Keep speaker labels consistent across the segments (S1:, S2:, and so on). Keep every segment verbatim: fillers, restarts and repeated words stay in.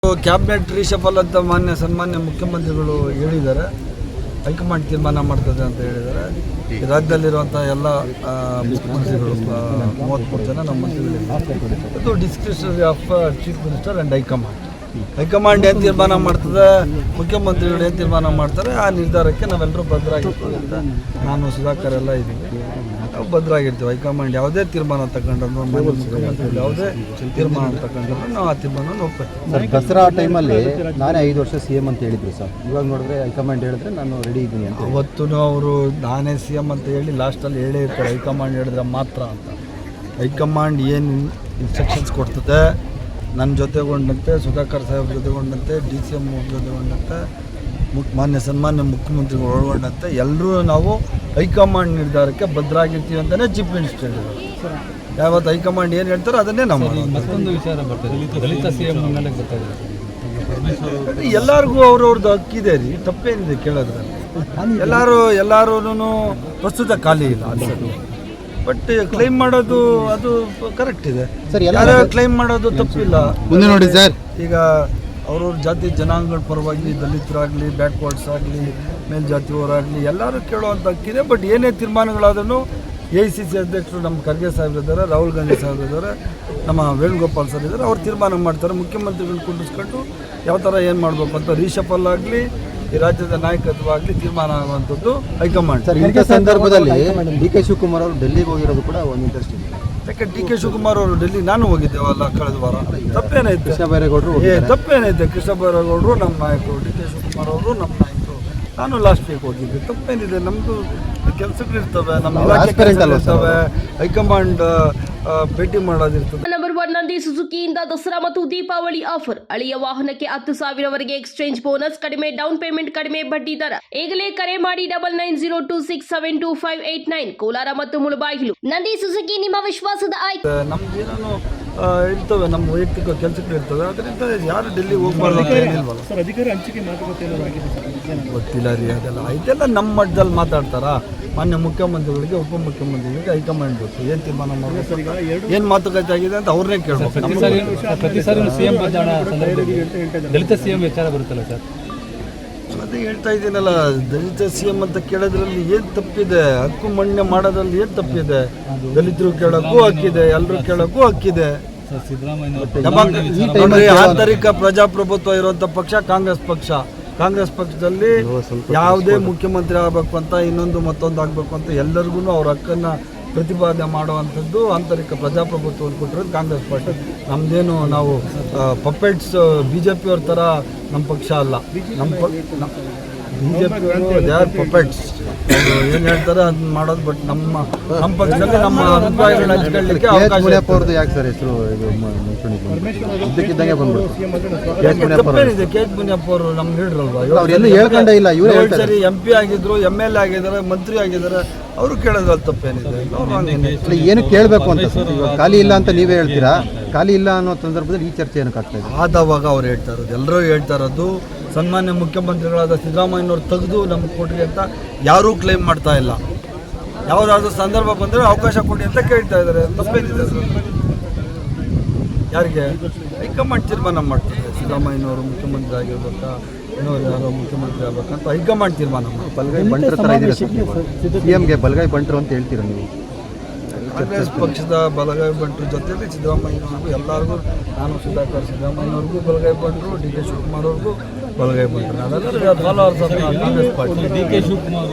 S1: Cabinet reshuffle ಅಂತ ಮಾನ್ಯ ಸನ್ಮಾನ್ಯ ಮುಖ್ಯಮಂತ್ರಿಗಳು ಹೇಳಿದ್ದಾರೆ. ಹೈಕಮಾಂಡ್ ತೀರ್ಮಾನ ಮಾಡ್ತದೆ ಅಂತ ಹೇಳಿದ್ದಾರೆ. ಈ ರಾಜ್ಯದಲ್ಲಿರುವಂಥ ಎಲ್ಲ ಮುಖ್ಯಮಂತ್ರಿಗಳು ಮೂವತ್ತ್ಮೂರು ಜನ ನಮ್ಮ ಮಂತ್ರಿಗಳಿದ್ದಾರೆ. ಇದು discretionary of chief minister and high command. High command ಏನು ತೀರ್ಮಾನ ಮಾಡ್ತದೆ, ಮುಖ್ಯಮಂತ್ರಿಗಳು ಏನು ತೀರ್ಮಾನ ಮಾಡ್ತಾರೆ, ಆ ನಿರ್ಧಾರಕ್ಕೆ ನಾವೆಲ್ಲರೂ ಬದ್ಧರಾಗಿರ್ತೀವಿ ಅಂತ ನಾನು ಸುಧಾಕರ್ ಎಲ್ಲ ಇದ್ದೀವಿ. ನಾವು ಬದ್ಧರಾಗಿರ್ತೀವಿ. ಹೈಕಮಾಂಡ್ ಯಾವುದೇ ತೀರ್ಮಾನ ತಗೊಂಡ್ರು, ಮುಖ್ಯಮಂತ್ರಿಗಳು ಯಾವುದೇ ತೀರ್ಮಾನ ತಗೊಂಡ್ರು ನಾವು ಆ ತೀರ್ಮಾನವನ್ನು ಒಪ್ಪಿರ್ತೀವಿ.
S2: ಸರ್, ದಸರಾ ಟೈಮಲ್ಲಿ ನಾನೇ ಐದು ವರ್ಷ ಸಿ ಎಮ್ ಅಂತ ಹೇಳಿದ್ರು ಸರ್. ಇವಾಗ ನೋಡಿದ್ರೆ ಹೈಕಮಾಂಡ್ ಹೇಳಿದ್ರೆ ನಾನು ರೆಡಿ ಇದ್ದೀನಿ ಅಂತ.
S1: ಅವತ್ತು ಅವರು ನಾನೇ ಸಿ ಎಮ್ ಅಂತ ಹೇಳಿ ಲಾಸ್ಟಲ್ಲಿ ಹೇಳೇ ಇರ್ತಾರೆ, ಹೈಕಮಾಂಡ್ ಹೇಳಿದ್ರೆ ಮಾತ್ರ ಅಂತ. ಹೈಕಮಾಂಡ್ ಏನು ಇನ್ಸ್ಟ್ರಕ್ಷನ್ಸ್ ಕೊಡ್ತದೆ, ನನ್ನ ಜೊತೆಗೊಂಡಂತೆ, ಸುಧಾಕರ್ ಸಾಹೇಬ್ ಜೊತೆಗೊಂಡಂತೆ, ಡಿ ಸಿ ಎಮ್ ಜೊತೆಗೊಂಡಂತೆ, ಮುಕ್ ಮಾನ್ಯ ಸನ್ಮಾನ್ಯ ಮುಖ್ಯಮಂತ್ರಿಗಳು ಒಳಗೊಂಡಂತೆ ಎಲ್ಲರೂ ನಾವು ಹೈಕಮಾಂಡ್ ನಿರ್ಧಾರಕ್ಕೆ ಬದ್ಧರಾಗಿರ್ತೀವಿ ಅಂತಲೇ ಚೀಫ್ ಮಿನಿಸ್ಟರ್ ಹೇಳಿದರು. ಯಾವತ್ತು ಹೈಕಮಾಂಡ್ ಏನು ಹೇಳ್ತಾರೋ ಅದನ್ನೇ ನಾವು.
S3: ಮತ್ತೊಂದು ವಿಚಾರ ಬರ್ತದೆ, ದಲಿತ ಸಿ ಎಂ ಮೇಲೆ ಗೊತ್ತಾಗಿದೆ.
S1: ಎಲ್ಲರಿಗೂ ಅವ್ರವ್ರದ್ದು ಹಕ್ಕಿದೆ ರೀ, ತಪ್ಪೇನಿದೆ ಕೇಳೋದ್ರಲ್ಲಿ. ಎಲ್ಲರೂ ಎಲ್ಲರೂ ಪ್ರಸ್ತುತ ಖಾಲಿ ಇಲ್ಲ ಅನ್ಸೋದು, ಬಟ್ ಕ್ಲೈಮ್ ಮಾಡೋದು ಅದು ಕರೆಕ್ಟ್ ಇದೆ.
S2: ಸರ್,
S1: ಯಾರು ಕ್ಲೈಮ್ ಮಾಡೋದು ತಪ್ಪಿಲ್ಲ.
S2: ಮುಂದೆ ನೋಡಿ ಸರ್,
S1: ಈಗ ಅವ್ರವ್ರ ಜಾತಿ ಜನಾಂಗಗಳ ಪರವಾಗಿ ದಲಿತರಾಗಲಿ, ಬ್ಯಾಕ್ವರ್ಡ್ಸ್ ಆಗಲಿ, ಮೇಲ್ಜಾತಿಯವರಾಗಲಿ ಎಲ್ಲರೂ ಕೇಳುವಂಥ ಹಕ್ಕಿದೆ. ಬಟ್ ಏನೇ ತೀರ್ಮಾನಗಳಾದ್ರೂ ಎ ಐ ಸಿ ಸಿ ಅಧ್ಯಕ್ಷರು ನಮ್ಮ ಖರ್ಗೆ ಸಾಹೇಬ್ರಿದ್ದಾರೆ, ರಾಹುಲ್ ಗಾಂಧಿ ಸಾಹೇಬ್ರಿದ್ದಾರೆ, ನಮ್ಮ ವೇಣುಗೋಪಾಲ್ ಸರ್ ಇದ್ದಾರೆ. ಅವ್ರು ತೀರ್ಮಾನ ಮಾಡ್ತಾರೆ. ಮುಖ್ಯಮಂತ್ರಿಗಳು ಕುಂಡಿಸ್ಕೊಂಡು ಯಾವ ಥರ ಏನು ಮಾಡಬೇಕು ಅಂತ ರೀಶಫಲ್ ಆಗಲಿ, ಈ ರಾಜ್ಯದ ನಾಯಕತ್ವವಾಗಲಿ ತೀರ್ಮಾನ ಆಗುವಂಥದ್ದು ಹೈಕಮಾಂಡ್.
S2: ಸರ್, ಇಂಥ ಸಂದರ್ಭದಲ್ಲಿ ಡಿ ಕೆ ಶಿವಕುಮಾರ್ ಅವರು ಡೆಲ್ಲಿಗೆ ಹೋಗಿರೋದು ಕೂಡ ಒಂದು ಇಂಟ್ರೆಸ್ಟ್ ಇದೆ.
S1: ಯಾಕೆ ಡಿ ಕೆ ಶಿವಕುಮಾರ್ ಅವರು ಡೆಲ್ಲಿ ನಾನು ಹೋಗಿದ್ದೇವಲ್ಲ ಕಳೆದ ವಾರ. ತಪ್ಪೇನೈತೆ?
S2: ಕೃಷ್ಣ ಬೈರೇಗೌಡರು
S1: ಏ ತಪ್ಪೇನೈತೆ? ಕೃಷ್ಣ ಬೈರೇಗೌಡರು ನಮ್ಮ ನಾಯಕರು, ಡಿ ಕೆ ಶಿವಕುಮಾರ್ ಅವರು ನಮ್ಮ ನಾಯಕರು, ನಾನು ಲಾಸ್ಟ್ ವೀಕ್ ಹೋಗಿದ್ದೆ. ತಪ್ಪೇನಿದೆ? ನಮ್ಮದು ಕೆಲಸಗಳಿರ್ತವೆ, ನಮ್ಮ ಇಲಾಖೆ ಕೆಲಸಗಳಿರ್ತವೆ, ಹೈಕಮಾಂಡ್ ಭೇಟಿ ಮಾಡೋದಿರ್ತದೆ.
S4: ನಂಬರ್ ಒನ್ ನಂದಿ ಸುಜುಕಿಯಿಂದ ದಸರಾ ಮತ್ತು ದೀಪಾವಳಿ ಆಫರ್. ಹಳೆಯ ವಾಹನಕ್ಕೆ ಹತ್ತು ಸಾವಿರವರೆಗೆ ಎಕ್ಸ್ಚೇಂಜ್ ಬೋನಸ್, ಕಡಿಮೆ ಡೌನ್ ಪೇಮೆಂಟ್, ಕಡಿಮೆ ಬಡ್ಡಿ ದರ. ಈಗಲೇ ಕರೆ ಮಾಡಿ double nine zero two six seven two five eight nine. Kolar ಮತ್ತು ಮುಳಬಾಗಿಲು. ನಂದಿ ಸುಜುಕಿ ನಿಮ್ಮ ವಿಶ್ವಾಸದ ಆಯ್ಕೆ.
S1: ನಮ್ದು ಏನೇನೋ ಇರ್ತವೆ, ನಮ್ಮ ವೈಯಕ್ತಿಕ ಕೆಲಸಗಳು ಇರ್ತವೆ, ಅದರಿಂದ ಯಾರು ಡೆಲ್ಲಿ ಹೋಗ್ಬಾರ್ದು ಅಂತ ಏನಿಲ್ವಲ್ಲ. ಗೊತ್ತಿಲ್ಲ ರೀ, ಅದೆಲ್ಲ ಇದೆಲ್ಲ ನಮ್ಮ ಮಟ್ಟದಲ್ಲಿ ಮಾತಾಡ್ತಾರ. ಮಾನ್ಯ ಮುಖ್ಯಮಂತ್ರಿಗಳಿಗೆ, ಉಪಮುಖ್ಯಮಂತ್ರಿಗಳಿಗೆ ಹೈಕಮಾಂಡ್ ಗೊತ್ತು ಏನು ತೀರ್ಮಾನ ಮಾಡಬೇಕು, ಏನು ಮಾತುಕತೆ ಆಗಿದೆ ಅಂತ ಅವ್ರನ್ನೇ ಕೇಳಬೇಕು.
S3: ಪ್ರತಿ ಸಾರಿ ಸಿಎಂ ದಲಿತ ಸಿಎಂ ವಿಚಾರ ಬರುತ್ತಲ್ಲ ಸರ್,
S1: ಅದೇ ಹೇಳ್ತಾ ಇದ್ದೀನಲ್ಲ, ದಲಿತ ಸಿ ಎಂ ಅಂತ ಕೇಳೋದ್ರಲ್ಲಿ ಏನು ತಪ್ಪಿದೆ? ಹಕ್ಕು ಮಣ್ಣೆ ಮಾಡೋದ್ರಲ್ಲಿ ಏನು ತಪ್ಪಿದೆ? ದಲಿತರು ಕೇಳೋಕ್ಕೂ ಹಕ್ಕಿದೆ, ಎಲ್ಲರೂ ಕೇಳೋಕ್ಕೂ ಹಕ್ಕಿದೆ. ನೋಡ್ರಿ, ಆಂತರಿಕ ಪ್ರಜಾಪ್ರಭುತ್ವ ಇರುವಂಥ ಪಕ್ಷ ಕಾಂಗ್ರೆಸ್ ಪಕ್ಷ. ಕಾಂಗ್ರೆಸ್ ಪಕ್ಷದಲ್ಲಿ ಯಾವುದೇ ಮುಖ್ಯಮಂತ್ರಿ ಆಗಬೇಕು ಅಂತ, ಇನ್ನೊಂದು ಮತ್ತೊಂದು ಆಗಬೇಕು ಅಂತ ಎಲ್ಲರಿಗೂ ಅವ್ರ ಹಕ್ಕನ್ನು ಪ್ರತಿಪಾದನೆ ಮಾಡುವಂಥದ್ದು ಆಂತರಿಕ ಪ್ರಜಾಪ್ರಭುತ್ವವನ್ನು ಕೊಟ್ಟಿರೋದು ಕಾಂಗ್ರೆಸ್ ಪಾರ್ಟಿ. ನಮ್ಮದೇನು ನಾವು ಪಪೆಟ್ಸ್ ಬಿ ಜೆ ಪಿಯವ್ರ ಥರ ನಮ್ಮ ಪಕ್ಷ ಅಲ್ಲ. ನಮ್ಮ ಬಿ ಜೆ ಪಿಯವರು ದೇ ಆರ್ ಪಪೆಟ್ಸ್, ಏನು ಹೇಳ್ತಾರೆ ಅದನ್ನ ಮಾಡೋದು. ಬಟ್ ನಮ್ಮ ನಮ್ಮ ಪಕ್ಷದಲ್ಲಿ ನಮ್ಮ ಅಭಿಪ್ರಾಯಗಳನ್ನ ಹಂಚ್ಕೊಳ್ಳಿಕ್ಕೆ ಅವಕಾಶ.
S2: ಯಾಕೆ ಸರ್ ಹೆಸರು ಇದ್ದಕ್ಕಿದ್ದಂಗೆ ಬಂದ್ಬಿಟ್ಟು
S1: ತಪ್ಪೇನಿದೆ? ಕೆ ಎಚ್ ಮುನಿಯಪ್ಪ ಅವರು ನಮ್ಮ ಲೀಡ್ರಲ್ವಾ?
S2: ಹೇಳ್ಕೊಂಡೇ ಇಲ್ಲ.
S1: ಇವರು ಸರಿ ಎಂ ಪಿ ಆಗಿದ್ರು, ಎಮ್ ಎಲ್ ಎ ಆಗಿದ್ದಾರೆ, ಮಂತ್ರಿ ಆಗಿದ್ದಾರೆ, ಅವರು ಕೇಳೋದ್ರಲ್ಲಿ ತಪ್ಪೇನಿದೆ?
S2: ಏನು ಕೇಳಬೇಕು ಅಂತ ಸರ್, ಇವಾಗ ಖಾಲಿ ಇಲ್ಲ ಅಂತ ನೀವೇ ಹೇಳ್ತೀರಾ. ಖಾಲಿ ಇಲ್ಲ ಅನ್ನೋ ಸಂದರ್ಭದಲ್ಲಿ ಈ ಚರ್ಚೆ ಏನಕ್ಕೆ ಆಗ್ತಾ ಇದೆ?
S1: ಆದವಾಗ ಅವ್ರು ಹೇಳ್ತಾ ಇರೋದು, ಎಲ್ಲರೂ ಹೇಳ್ತಾ ಇರೋದು, ಸನ್ಮಾನ್ಯ ಮುಖ್ಯಮಂತ್ರಿಗಳಾದ ಸಿದ್ದರಾಮಯ್ಯನವ್ರು ತೆಗೆದು ನಮ್ಗೆ ಕೊಟ್ರಿ ಅಂತ ಯಾರೂ ಕ್ಲೈಮ್ ಮಾಡ್ತಾ ಇಲ್ಲ. ಯಾವುದಾದ್ರೂ ಸಂದರ್ಭ ಬಂದರೆ ಅವಕಾಶ ಕೊಡಿ ಅಂತ ಕೇಳ್ತಾ ಇದ್ದಾರೆ. ತಪ್ಪೇನಿದೆ ಸರ್? ಯಾರಿಗೆ? ಹೈಕಮಾಂಡ್ ತೀರ್ಮಾನ ಮಾಡ್ತಾರೆ. ಸಿದ್ದರಾಮಯ್ಯನವರು ಮುಖ್ಯಮಂತ್ರಿ ಆಗಿರ್ಬೇಕಾ, ಇನ್ನೊರು ಯಾರೋ ಮುಖ್ಯಮಂತ್ರಿ ಆಗ್ಬೇಕಂತ ಹೈಕಮಾಂಡ್ ತೀರ್ಮಾನ ಮಾಡಿ.
S2: ಬಲಗೈ ಬಂಟ್ರ ಥರ ಇದ್ದೀರಾ ಸಿ ಎಮ್ಗೆ, ಬಲಗೈ ಬಂಟ್ರು ಅಂತ ಹೇಳ್ತೀರಾ ನೀವು?
S1: ಕಾಂಗ್ರೆಸ್ ಪಕ್ಷದ ಬಲಗೈ ಬಂಟ್ರ ಜೊತೆಲಿ ಸಿದ್ದರಾಮಯ್ಯನವ್ರಿಗೂ ಎಲ್ಲರಿಗೂ, ನಾನು ಸುಧಾಕರ್ ಸಿದ್ದರಾಮಯ್ಯನವ್ರಿಗೂ ಬಲಗೈ ಬಂಟ್ರು, ಡಿ ಕೆ ಶಿವಕುಮಾರ್ ಅವ್ರಿಗೂ ಬಲಗೈ ಬಂಟ್ರು. ನಾವೆಲ್ಲರೂ followers of Congress party.
S3: D K Shivakumar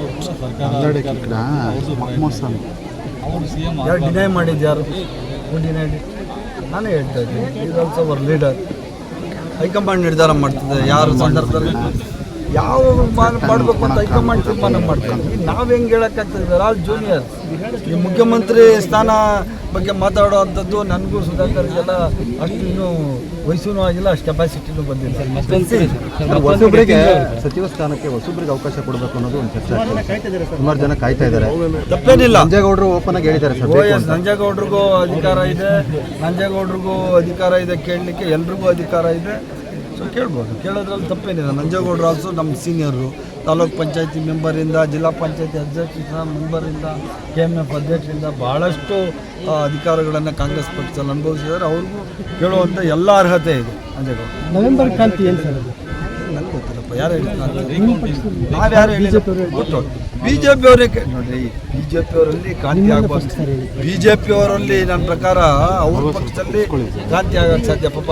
S1: ಯಾರು ಡಿನೈ ಮಾಡಿದ್ದು? ಯಾರು ಡಿನೈಡ್? ನಾನೇ ಹೇಳ್ತಾ ಇದ್ದೀನಿ, is also our leader. High command ನಿರ್ಧಾರ ಮಾಡ್ತದೆ ಯಾರು ಸಂದರ್ಭದಲ್ಲಿ ಯಾವ ಮಾಡಬೇಕು ಅಂತ ಹೈಕಮಾಂಡ್ ತೀರ್ಮಾನ ಮಾಡ್ತೀವಿ. ನಾವು ಹೆಂಗೆ ಹೇಳೋಕ್ಕಾಗ್ತದೆ? All juniors. ಈ ಮುಖ್ಯಮಂತ್ರಿ ಸ್ಥಾನ ಬಗ್ಗೆ ಮಾತಾಡೋವಂಥದ್ದು ನನಗೂ ಸುಧಾಕರ್ಗೆಲ್ಲ ಅಷ್ಟು ಇನ್ನೂ ವಯಸ್ಸೂ ಆಗಿಲ್ಲ, ಅಷ್ಟು ಕೆಪಾಸಿಟಿನೂ ಬಂದಿಲ್ಲ.
S2: ಹೊಸಬ್ರಿಗೆ ಸಚಿವ ಸ್ಥಾನಕ್ಕೆ ಹೊಸಬ್ರಿಗೆ ಅವಕಾಶ ಕೊಡಬೇಕು ಅನ್ನೋದು ಒಂದು ಚರ್ಚೆ ಆಗ್ತದೆ. ಸುಮಾರು ಜನ ಕಾಯ್ತಾ ಇದ್ದಾರೆ.
S1: ತಪ್ಪೇನಿಲ್ಲ.
S2: ನಂಜೇಗೌಡರು ಓಪನ್ ಆಗಿ ಹೇಳಿದ್ದಾರೆ ಸರ್.
S1: ಓ ಎಸ್, ನಂಜೇಗೌಡರಿಗೂ ಅಧಿಕಾರ ಇದೆ, ನಂಜೇಗೌಡರಿಗೂ ಅಧಿಕಾರ ಇದೆ ಕೇಳಲಿಕ್ಕೆ, ಎಲ್ರಿಗೂ ಅಧಿಕಾರ ಇದೆ. ಸೊ ಕೇಳ್ಬೋದು, ಕೇಳೋದ್ರಲ್ಲಿ ತಪ್ಪೇನಿಲ್ಲ. ನಂಜೇಗೌಡರು ಆಲ್ಸೋ ನಮ್ಮ ಸೀನಿಯರು. ತಾಲೂಕ್ ಪಂಚಾಯತಿ ಮೆಂಬರಿಂದ, ಜಿಲ್ಲಾ ಪಂಚಾಯತಿ ಅಧ್ಯಕ್ಷ ಮೆಂಬರಿಂದ, ಕೆ ಎಮ್ ಎಫ್ ಅಧ್ಯಕ್ಷರಿಂದ ಭಾಳಷ್ಟು ಅಧಿಕಾರಗಳನ್ನು ಕಾಂಗ್ರೆಸ್ ಪಕ್ಷದಲ್ಲಿ ಅನುಭವಿಸಿದ್ದಾರೆ. ಅವ್ರಿಗೂ ಕೇಳುವಂಥ ಎಲ್ಲ ಅರ್ಹತೆ ಇದೆ. ಅಂಜೇಗೌಡ.
S5: ನವೆಂಬರ್ ಕ್ರಾಂತಿ ಏನು ಸರ್ ಅದು?
S1: ನನಗೆ ಗೊತ್ತಿಲ್ಲಪ್ಪ, ಯಾರು ಹೇಳಿದ್ರು? ನಾವು ಯಾರು ಹೇಳಿದ್ರು? ಗೊತ್ತು ಬಿ ಜೆ ಪಿ ಅವರೇ ನೋಡ್ರಿ, ಬಿ ಜೆ ಪಿ ಅವರಲ್ಲಿ ಕ್ರಾಂತಿ ಆಗ್ಬೋದು. ಬಿ ಜೆ ಪಿ ಅವರಲ್ಲಿ ನನ್ನ ಪ್ರಕಾರ ಅವ್ರ ಪಕ್ಷದಲ್ಲಿ ಕ್ರಾಂತಿ ಆಗಕ್ಕೆ ಸಾಧ್ಯ. ಪಾಪ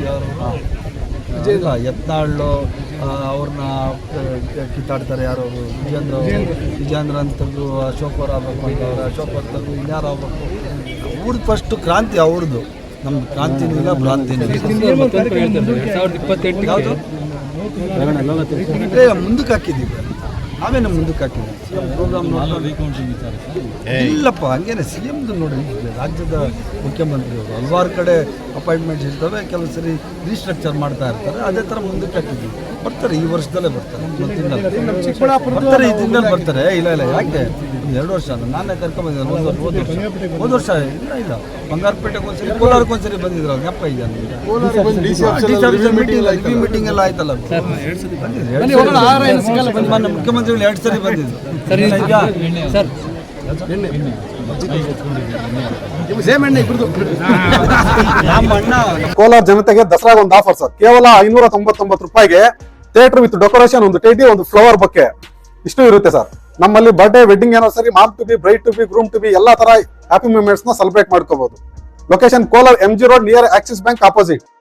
S1: ಇಲ್ಲ ಯತ್ನಾಳು ಅವ್ರನ್ನ ಕಿತ್ತಾಡ್ತಾರೆ ಯಾರು, ವಿಜೇಂದ್ರ ವಿಜೇಂದ್ರ ಅಂತ ತೆಗೆದು ಅಶೋಕ್ ಅವ್ರು ಆಗ್ಬೇಕು ಅಂತವ್ರೆ, ಅಶೋಕ್ ಅವ್ರು ತೆಗೆದು ಇನ್ಯಾರು ಆಗ್ಬೇಕು. ಅವ್ರದ್ದು ಫಸ್ಟು ಕ್ರಾಂತಿ ಅವ್ರದ್ದು, ನಮ್ದು ಕ್ರಾಂತಿನೂ ಇಲ್ಲ ಭ್ರಾಂತಿನೂ ಇಲ್ಲ.
S3: ಸಾವಿರದ ಇಪ್ಪತ್ತೆಂಟು
S1: ಯಾವುದು ಮುಂದಕ್ಕೆ ಹಾಕಿದ್ದೀವಿ, ನಾವೇನು ಮುಂದಕ್ಕೆ ಹಾಕಿದ್ದೀವಿ ಪ್ರೋಗ್ರಾಮ್ ಇಲ್ಲಪ್ಪ. ಹಂಗೇನೆ ಸಿ ಎಮ್ದು ನೋಡಿ, ರಾಜ್ಯದ ಮುಖ್ಯಮಂತ್ರಿಯವರು ಹಲವಾರು ಕಡೆ ಅಪಾಯಿಂಟ್ಮೆಂಟ್ಸ್ ಇರ್ತವೆ, ಕೆಲವು ಸರಿ ರೀಸ್ಟ್ರಕ್ಚರ್ ಮಾಡ್ತಾ ಇರ್ತಾರೆ. ಅದೇ ಥರ ಮುಂದಕ್ಕೆ ಹಾಕಿದ್ದೀವಿ. ಬರ್ತಾರೆ, ಈ ವರ್ಷದಲ್ಲೇ ಬರ್ತಾರೆ, ಬರ್ತಾರೆ ಈ ತಿಂಗಳಲ್ಲಿ ಬರ್ತಾರೆ. ಇಲ್ಲ ಇಲ್ಲ ಯಾಕೆ ಎರಡು ವರ್ಷ ನಾನೇ ಕರ್ಕೊಂಬಂದಿದ್ದೆ, ಒಂದು ವರ್ಷ ಹೋದ ವರ್ಷ ಹೋದ ವರ್ಷ ಇಲ್ಲ ಇಲ್ಲ ಬಂಗಾರಪೇಟೆಗೆ ಒಂದ್ಸರಿ, ಕೋಲಾರಕ್ಕೆ ಒಂದ್ಸರಿ ಬಂದಿದ್ರು. ಜ್ಞಾಪ ಇದೆ ಮೀಟಿಂಗ್ ಎಲ್ಲ ಆಯ್ತಲ್ಲ, ಮಾನ್ಯ ಮುಖ್ಯಮಂತ್ರಿಗಳು ಎರಡು ಸರಿ ಬಂದಿದ್ರು.
S3: ಸರ್
S6: ಕೋಲಾರ ಜನತೆಗೆ ದಸರಾಗ ಒಂದು ಆಫರ್ ಸರ್, ಕೇವಲ ಐನೂರ ತೊಂಬತ್ತೊಂಬತ್ತು ರೂಪಾಯಿಗೆ ಥಿಯೇಟರ್ ವಿತ್ ಡೆಕೋರೇಷನ್, ಒಂದು ಟೇಟಿ, ಒಂದು ಫ್ಲವರ್ ಬೊಕ್ಕೆ ಇಷ್ಟು ಇರುತ್ತೆ ಸರ್. ನಮ್ಮಲ್ಲಿ birthday, wedding anniversary, mom to be, bride to be, groom to be ಎಲ್ಲಾ ತರ ಹ್ಯಾಪಿ ಮೂಮೆಂಟ್ಸ್ ನ ಸೆಲೆಬ್ರೇಟ್ ಮಾಡ್ಕೋಬಹುದು. Location Kolar M G road near Axis bank opposite.